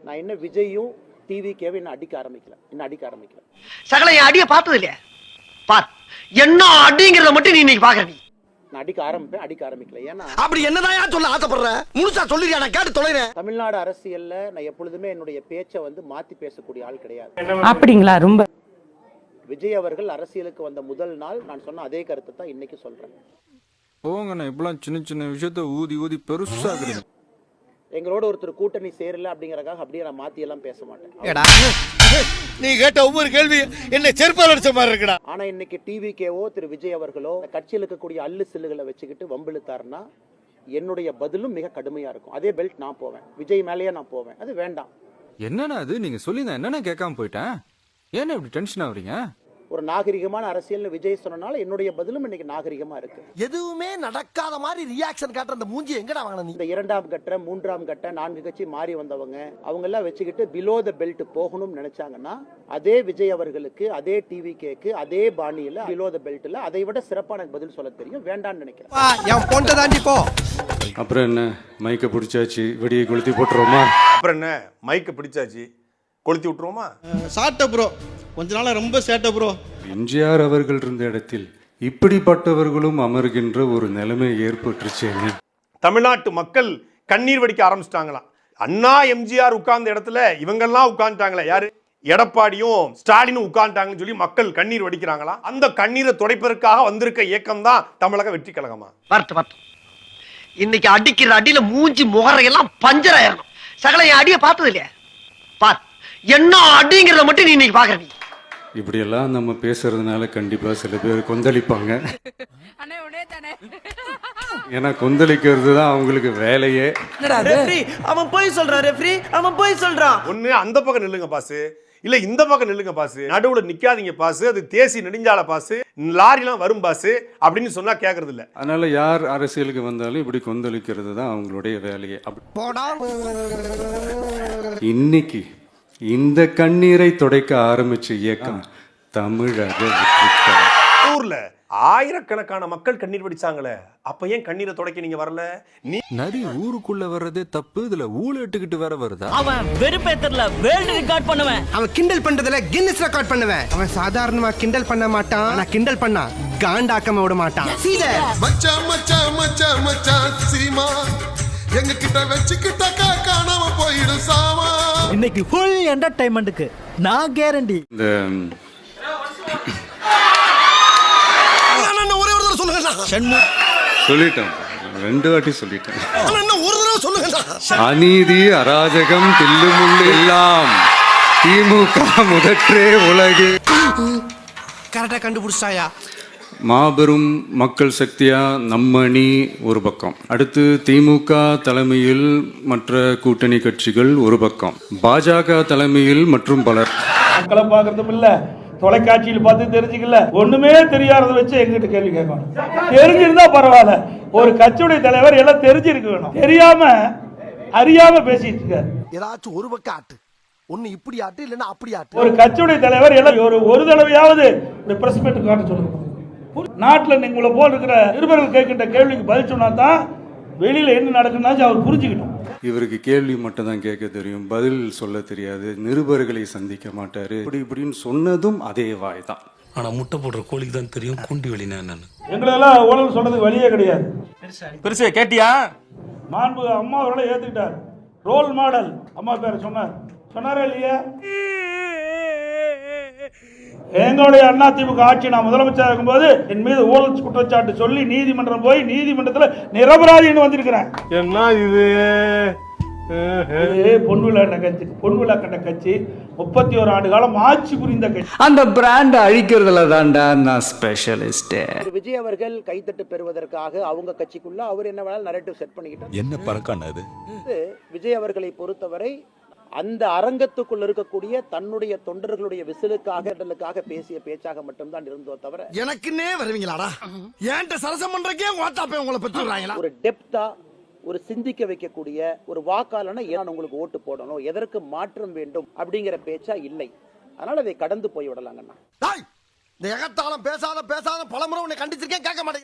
நான் என்ன விஜயும் டிவிகேவை இன்னும் அடிக்க ஆரம்பிக்கல. சகல என் அடிய பார்த்தது இல்லையா? பார் என்ன அடிங்கிறத மட்டும் நீ இன்னைக்கு பாக்குற. நான் அடிக்க ஆரம்பிக்கல. ஏன்னா அப்படி என்னதான் சொல்ல ஆசைப்படுற? முழுசா சொல்லிடுறியா? நான் கேட்டு தொலைறேன். தமிழ்நாடு அரசியல்ல நான் எப்பொழுதுமே என்னுடைய பேச்சை மாத்தி பேசக்கூடிய ஆள் கிடையாது. அப்படிங்களா? ரொம்ப விஜய் அவர்கள் அரசியலுக்கு வந்த முதல் நாள் நான் சொன்ன அதே கருத்தை தான் இன்னைக்கு சொல்றேன். போங்கண்ணா, இப்பெல்லாம் சின்ன சின்ன விஷயத்த ஊதி பெருசாக்குறீங்க. எங்களோட ஒருத்தர் கூட்டணி சேரல அப்படிங்கறதுக்காக அப்படியே நான் மாத்தி எல்லாம் பேச மாட்டேன். நீ கேட்ட ஒவ்வொரு கேள்வி என்ன செருப்பால் அடிச்ச மாதிரி இருக்குடா. ஆனா இன்னைக்கு டிவிகேவோ திரு விஜய் அவர்களோ கட்சியில் இருக்கக்கூடிய அல்லு சில்லுகளை வச்சுக்கிட்டு வம்பிழுத்தாருன்னா என்னுடைய பதிலும் மிக கடுமையா இருக்கும். அதே பெல்ட் நான் போவேன், விஜய் மேலேயே நான் போவேன். அது வேண்டாம். என்னன்னா அது நீங்க சொல்லி என்னன்னா கேட்காம போயிட்டேன். ஏன்னா இப்படி டென்ஷன் ஆகுறீங்க? ஒரு நாகரிகமான அரசியல் விஜய் சொன்னனால என்னுடைய பதிலும் இன்னைக்கு நாகரிகமா இருக்கு. எதுவுமே நடக்காத மாதிரி ரியாக்ஷன் காட்டுற அந்த மூஞ்சி எங்கடா வாங்கின நீ? இந்த 2ஆம் கட்ட 3ஆம் கட்ட 4 கட்சி மாறி வந்தவங்க அவங்க எல்லாம் வச்சுக்கிட்டு பிலோ த பெல்ட் போகணும்னு நினைச்சாங்கன்னா அதே விஜய் அவர்களுக்கு அதே டிவிகேக்கு அதே பாணியில பிலோ த பெல்ட்ல அதை விட சிறப்பான பதில் சொல்ல தெரியும். வேண்டாம்னு நினைக்கிறேன். அப்புறம் என்ன, மைக்க பிடிச்சாச்சு, வெடியை கொளுத்தி போட்டுருவோமா? அப்புறம் என்ன, மைக்க பிடிச்சாச்சு, கொளுத்தி விட்டுருவோமா? சாட்ட ப்ரோ, கொஞ்ச நாளா ரொம்ப சேட்ட ப்ரோ. எம்ஜிஆர் அவர்கள் இருந்த இடத்தில் இப்படிப்பட்டவர்களும் அமர்கின்ற ஒரு நிலைமை ஏற்பட்டுருச்சேன்னு தமிழ்நாட்டு மக்கள் கண்ணீர் வடிக்க ஆரம்பிச்சிட்டாங்களாம். அண்ணா எம்ஜிஆர் உட்கார்ந்த இடத்துல இவங்கெல்லாம் உட்கார்ந்துட்டாங்களே, யாரு? எடப்பாடியும் ஸ்டாலினும் உட்கார்ந்துட்டாங்கன்னு சொல்லி மக்கள் கண்ணீர் வடிக்கிறாங்களாம். அந்த கண்ணீரை துடைப்பதற்காக வந்திருக்க இயக்கம் தான் தமிழக வெற்றி கழகமா? இன்னைக்கு அடிக்கிற அடியில மூஞ்சி முகரையெல்லாம் பஞ்சர் ஆயிரணும். சகல என் அடிய பார்த்தது இல்லையா? பார் என்ன அடிங்கிறத மட்டும் நீ இன்னைக்கு பாக்குற. இப்படியெல்லாம் நம்ம பேசுறதுனால கண்டிப்பா சில பேர் கொந்தளிப்பாங்க. ஏன்னா கொந்தளிக்கிறது தான் அவங்களுக்கு வேலையே. அவன் போய் சொல்றான் ரெஃப்ரி, அவன் போய் சொல்றான். ஒண்ணு அந்த பக்கம் நில்லுங்க பாசு, இல்ல இந்த பக்கம் நில்லுங்க பாசு, நடுவுல நிக்காதீங்க பாசு, அது தேசிய நெடுஞ்சாலை பாசு, லாரிலாம் வரும் பாசு அப்படின்னு சொன்னா கேக்குறது இல்ல. அதனால யார் அரசியலுக்கு வந்தாலும் இப்படி கொந்தளிக்கிறது தான் அவங்களுடைய வேலையே. இன்னைக்கு இந்த கண்ணீரை துடைக்க ஆரம்பிச்ச இயக்கம் தமிழக ஊர்ல ஆயிரக்கணக்கான மக்கள் கண்ணீர் வடிச்சாங்களே, அப்ப ஏன் கண்ணீரை துடைக்க நீங்க வரல? நீ நரி ஊருக்குள்ள வர்றதே தப்பு, இதுல ஊழட்டுக்கிட்டு வேற வருதா? அவன் வெறுப்பேத்தர்ல வேர்ல்ட் ரெக்கார்ட் பண்ணுவேன். அவன் கிண்டல் பண்றதுல கின்னஸ் ரெக்கார்ட் பண்ணுவேன். அவன் சாதாரணமா கிண்டல் பண்ண மாட்டான், ஆனா கிண்டல் பண்ணா காண்டாக்கம விட மாட்டான். மச்சான் மச்சான் மச்சான் மச்சான் சீமா எங்க கிட்ட வச்சுக்கிட்டாக்கா காணாம போயிடும் சாமா. இன்னைக்கு ஃபுல் என்டர்டைன்மெண்ட்க்கு நான் கேரண்டி. இந்த சொல்லிட்டேன், 2 வாட்டி சொல்லிட்டேன். அநீதி அராஜகம் தில்லுமுள்ளு எல்லாம் திமுக முதற்றே உலகு. கரெக்டா கண்டுபிடிச்சாயா? மாபெரும் மக்கள் சக்தியா நம்ம அணி ஒரு பக்கம், அடுத்து திமுக தலைமையில் மற்ற கூட்டணி கட்சிகள் ஒரு பக்கம், பாஜக தலைமையில் மற்றும் பலர். மக்களை பார்க்கறதும் இல்ல, தொலைக்காட்சியில் பார்த்து தெரிஞ்சுக்கல, ஒண்ணுமே தெரியாததை வச்சு எங்கிட்ட கேள்வி கேட்கணும். தெரிஞ்சிருந்தா பரவாயில்ல, ஒரு கட்சியுடைய தலைவர் எல்லாம் தெரிஞ்சிருக்க வேணும். தெரியாம அறியாம பேசிட்டு இருக்காரு. ஏதாச்சும் ஒரு பக்கம் ஆட்டு, ஒன்னு இப்படி ஆட்டு இல்லன்னா அப்படி ஆட்டு. ஒரு கட்சியுடைய தலைவர் எல்லாம் ஒரு தடவையாவது பிரஸ் மீட் காட்ட சொல்லுங்க. நாட்டில் உங்களை போல் இருக்கிற நிருபர்கள் கேட்கின்ற கேள்விக்கு பதில் சொன்னா தான் வெளியில என்ன நடக்குதுன்னு அவர் புரிஞ்சுக்கிட்டோம். இவருக்கு கேள்வி மட்டும் தான் கேட்க தெரியும், பதில் சொல்ல தெரியாது, நிருபர்களை சந்திக்க மாட்டாரு. இப்படின்னு சொன்னதும் அதே வாய் தான். ஆனா முட்டை போடுற கோழிக்கு தான் தெரியும் குண்டி வெளினா என்னன்னு. எங்களெல்லாம் ஊழல் சொன்னதுக்கு வழியே கிடையாது. பெருசே கேட்டியா? மாண்பு அம்மா அவர்களை ஏத்துக்கிட்டார். ரோல் மாடல் அம்மா பேர் சொன்னாரா இல்லையா? எங்களுடைய அதிமுக ஆட்சி நான் முதலமைச்சர் இருக்கும்போது என் மீது ஊழல் குற்றச்சாட்டு சொல்லி நீதிமன்றம் போய் நீதிமன்றத்தில் நிரபராதின்னு வந்திருக்கிறேன். என்ன இது? பொன்விழா கண்ட கட்சி 31 ஆண்டு காலம் ஆட்சி புரிந்த கட்சி. அந்த பிராண்ட் அழிக்கிறதுல தான்டா நான் ஸ்பெஷலிஸ்ட். விஜய் அவர்கள் கைத்தட்டு பெறுவதற்காக அவங்க கட்சிக்குள்ள அவர் என்ன வேணாலும் நரேட்டிவ் செட் பண்ணிக்கிட்டார். என்ன பறக்கானது? விஜய் அவர்களை பொறுத்தவரை அந்த அரங்கத்துக்குள் இருக்கக்கூடிய தன்னுடைய தொண்டர்களுடைய விசிலுக்காக பேசிய பேச்சாக மட்டும்தான் இருந்தோ தவிர எனக்குன்னே வருவீங்களாடா, ஏன்ட்ட சரசம் பண்றக்கே வாட்டாப்பே உங்களை பெற்றுறாங்களா? ஒரு டெப்தா, ஒரு சிந்திக்க வைக்கக்கூடிய ஒரு வாக்காளன ஏன் உங்களுக்கு ஓட்டு போடணும், எதற்கு மாற்றம் வேண்டும் அப்படிங்கிற பேச்சா இல்லை. அதனால அதை கடந்து போய் விடலாங்கண்ணா. இந்த எகத்தாலம் பேசாத பலமுறை உன்னை கண்டிச்சிருக்கேன், கேட்க மாட்டேன்.